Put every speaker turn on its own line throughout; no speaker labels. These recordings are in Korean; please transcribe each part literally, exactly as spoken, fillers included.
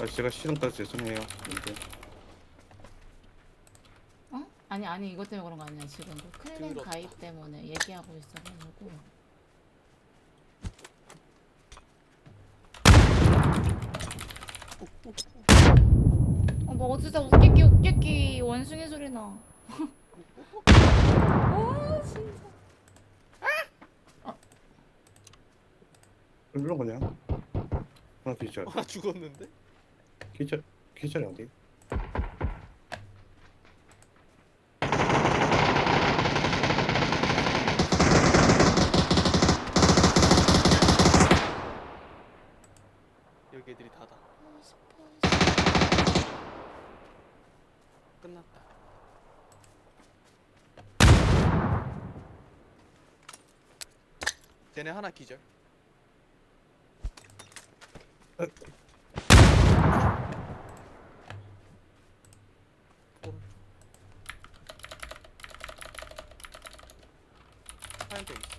아 제가 시동 따서 죄송해요. 근데
어? 아니 아니 이것 때문에 그런 거 아니야. 지금 그 클랜
더럽다.
가입 때문에 얘기하고 있어가지고. 어뭐 어디서 웃기기 웃기기 원숭이 소리 나. 아 진짜.
일로 그냥 하나 기절.
아 죽었는데?
기절 기절이 어디?
여기 애들이 다다. 끝났다. 쟤네 하나 기절.
어.
오른쪽. 하얀색 있어.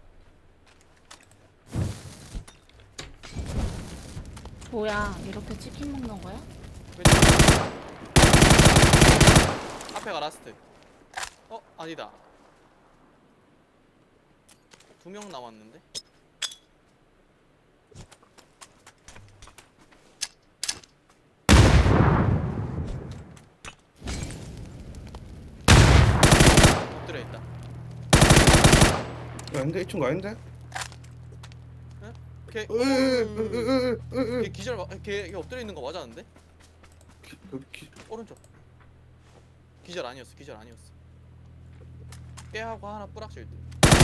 뭐야 이렇게 치킨 먹는 거야?
왼쪽. 앞에가 라스트. 어? 아니다. 두 명 남았는데? 엎드려 있다.
아닌데 이 친구 아닌데?
걔,
으으으으으으
걔 기절, 마- 걔, 걔 엎드려 있는 거 맞았는데?
그 기
오른쪽. 기절 아니었어. 기절 아니었어. 깨하고 하나 뿌락질 듯.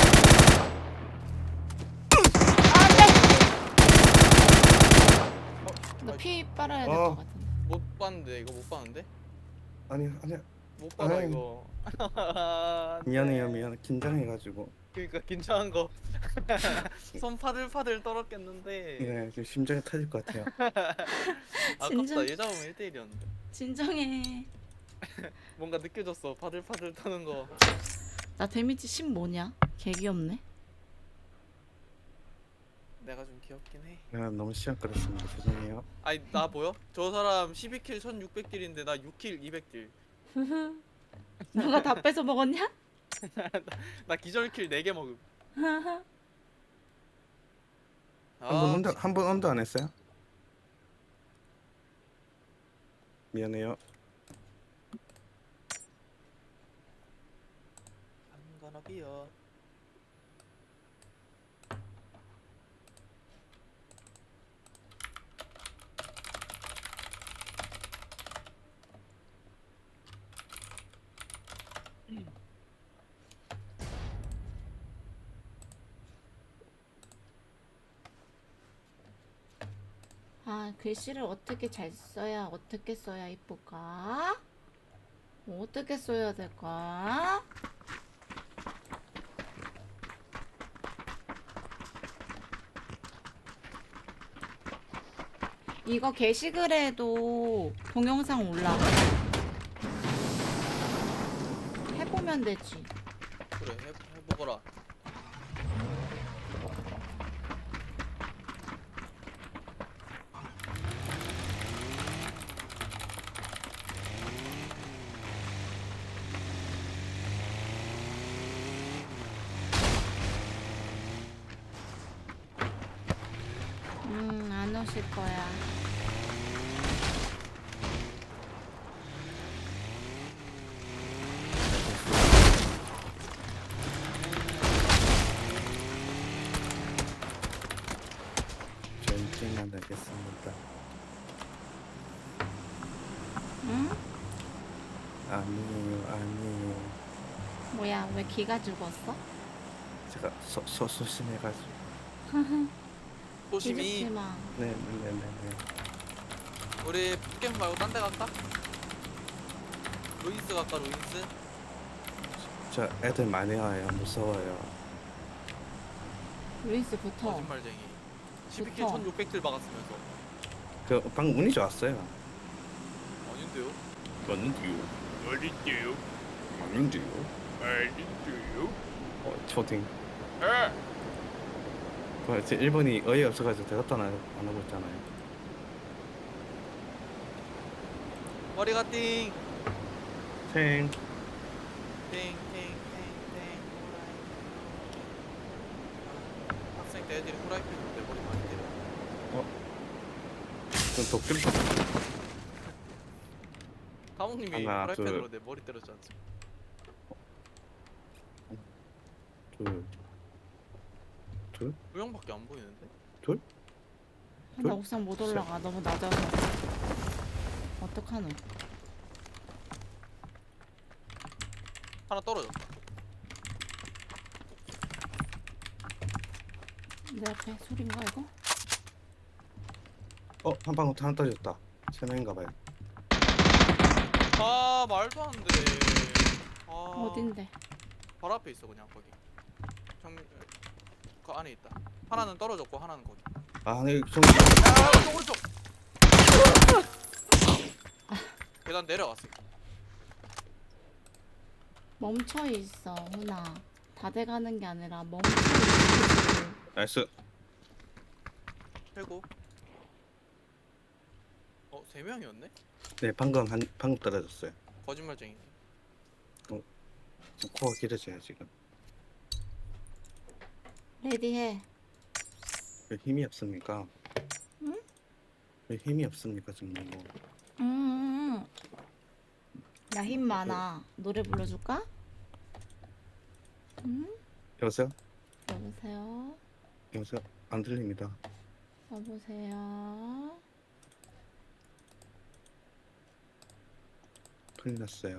어,
너 피 빨아야 될
어.
것 같은데.
못 봤는데 이거 못 봤는데?
아니 아니야.
못 봐라
아이.
이거.
미안해요 미안해 긴장해가지고.
그러니까 긴장한 거. 손 파들파들 떨었겠는데.
네 지금 심장이 터질 것 같아요.
아깝다.
진정.
얘 잡으면 일 대 일이었는데.
진정해.
뭔가 느껴졌어. 파들파들 떠는 거.
나 데미지 십 뭐냐? 개 귀엽네.
내가 좀 귀엽긴 해.
내가 너무 시간 끌었습니다. 죄송해요.
아니 나 보여? 저 사람 십이 킬 천육백 딜인데 나 육 킬 이백 딜.
너가 다 뺏어 먹었냐?
나 기절 킬 네 개 먹음.
한번
아,
언더 한번 언더 안 했어요? 미안해요.
I'm gonna be a
아 글씨를 어떻게 잘 써야 어떻게 써야 이쁠까? 어떻게 써야 될까? 이거 게시글에도 동영상 올라가. 해보면 되지.
그래 해, 해보거라.
음, 안 오실 거야.
전쟁만 하겠습니다.
응?
아니에요 아니에요.
뭐야, 왜 기가 죽었어?
제가 소, 소, 소심해가지고.
소심이.
기죽지 마.
네네네네.
우리 북캠 말고 딴 데 갈까? 루인스 갈까 루인스?
저 애들 많이 와요. 무서워요.
루이스 붙어.
거짓말쟁이. 십이 킬
좋다.
천육백 딜 박았으면서.
그 방금 운이 좋았어요.
아닌데요?
맞는데요.
어딘데요?
아닌데요.
어딘데요?
어 초딩.
에!
뭐, 제 일본이 어이 없어가지고 대답도 안, 하- 안 하고 있잖아요.
머리가 띵.
탱.
땡땡땡땡 학생 때 애들이 후라이팬으로 내 머리 많이 때려.
좀 도끼를 좀.
감독님이
하나,
후라이팬으로
둘.
내 머리 때렸지 않습니까?
둘. 둘?
두 명밖에 안 보이는데?
아, 나 옥상 못 올라가. 너무 낮아서. 어떡하노?
하나 떨어졌다.
내 앞에 소린가 이거?
어, 한 방울 하나 떨어졌다. 세 명인가 봐요.
아 말도 안 돼. 아,
어딘데?
바로 앞에 있어 그냥 거기. 정, 그 안에 있다. 하나는 떨어졌고 하나는 거기.
아, 네, 좀
야 오른쪽 오른쪽. 계단 내려갔어.
멈춰 있어, 훈아. 다 돼가는 게 아니라 멈춰 있어.
나이스.
최고. 어 세 명이었네?
네, 방금 한 방금 떨어졌어요.
거짓말쟁이.
지금 코가 길어져요 지금.
레디해.
왜 힘이 없습니까?
응?
왜 힘이 없습니까 정말 뭐.
음. 나 힘 많아. 노래 불러줄까? 응?
여보세요?
여보세요?
여보세요? 안 들립니다.
여보세요?
큰일 났어요.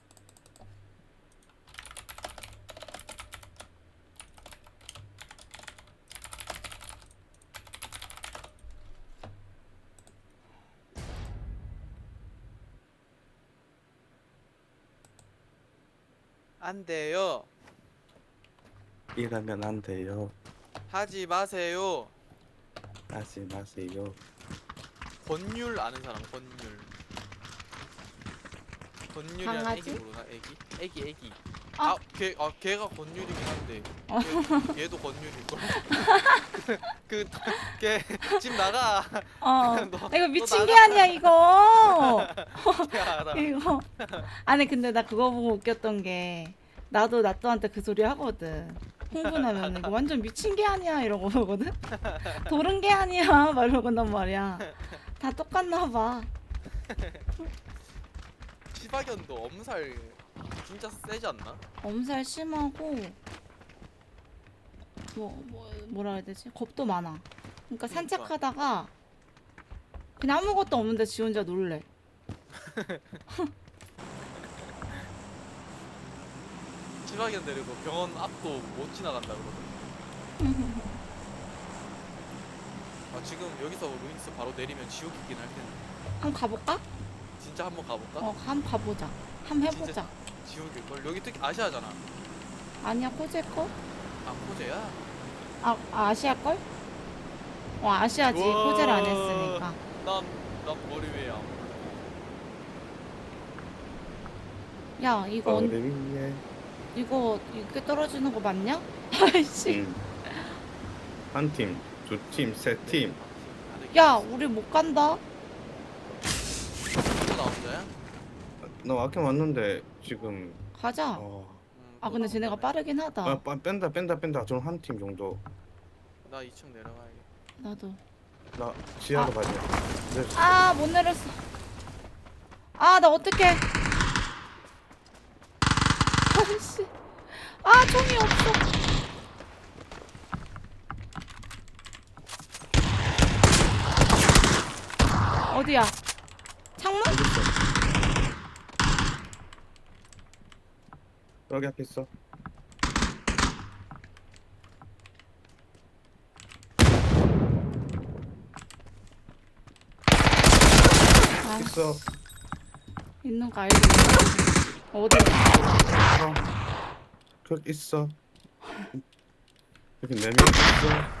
안 돼요.
이러면 안 돼요.
하지 마세요.
하지 마세요.
권율 아는 사람 권율. 권율이랑
강아지?
애기 모르나? 애기? 애기 애기.
아.
아, 걔, 아 걔가 권율이긴 한데
어.
걔, 걔도 권율일 걸. 그걔집 나가.
어.
너-
이거
너
미친 게
나가.
아니야, 이거.
야, 나.
이거. 아니, 근데 나 그거 보고 웃겼던 게, 나도 나또한테 그 소리 하거든. 흥분하면 이거 완전 미친 게 아니야 이러고 보거든. 도른 게 아니야 막 이러고 난 말이야. 다 똑같나 봐.
시바견도 엄살 진짜 세지 않나?
엄살 심하고 뭐, 뭐 뭐라 해야 되지? 겁도 많아. 그러니까 산책하다가 그냥 아무것도 없는데 지 혼자 놀래.
시바견 데리고 병원 앞도 못 지나간다 그러더라. 아 지금 여기서 루인스 바로 내리면 지옥이긴 할 텐데.
한번 가볼까?
진짜 한번 가볼까?
어, 한번 가보자. 한번 해보자.
진짜 지옥일걸? 여기 특히 아시아잖아.
아니야, 코제 거?
아 코제야?
아, 아 아시아 걸? 어, 아시아지.
우와.
코제를 안 했으니까.
난, 난 머리 위에 아무.
야, 이거 언-
머리 위에.
이거 이렇게 떨어지는 거 맞냐? 아이씨.
음. 한 팀, 두 팀, 세 팀.
야, 우리 못 간다.
또 나 혼자야?
나 아까 왔는데 지금.
가자.
어.
음,
아,
또
근데
나
쟤네가
혼자네.
빠르긴 하다.
아, 빠- 뺀다 뺀다 뺀다. 좀 한 팀 정도.
나 이 층 내려가야겠다.
나도.
나 지하로
아.
가자. 네.
아, 못 내렸어. 아, 나 어떡해. 아이씨. 아, 총이 없어. 어디야? 창문?
여기 있어. 여기 앞에 있어.
아,
있어.
있는 거 알고 있어. 어디?
어. 그 있어. 여기 네명 있어.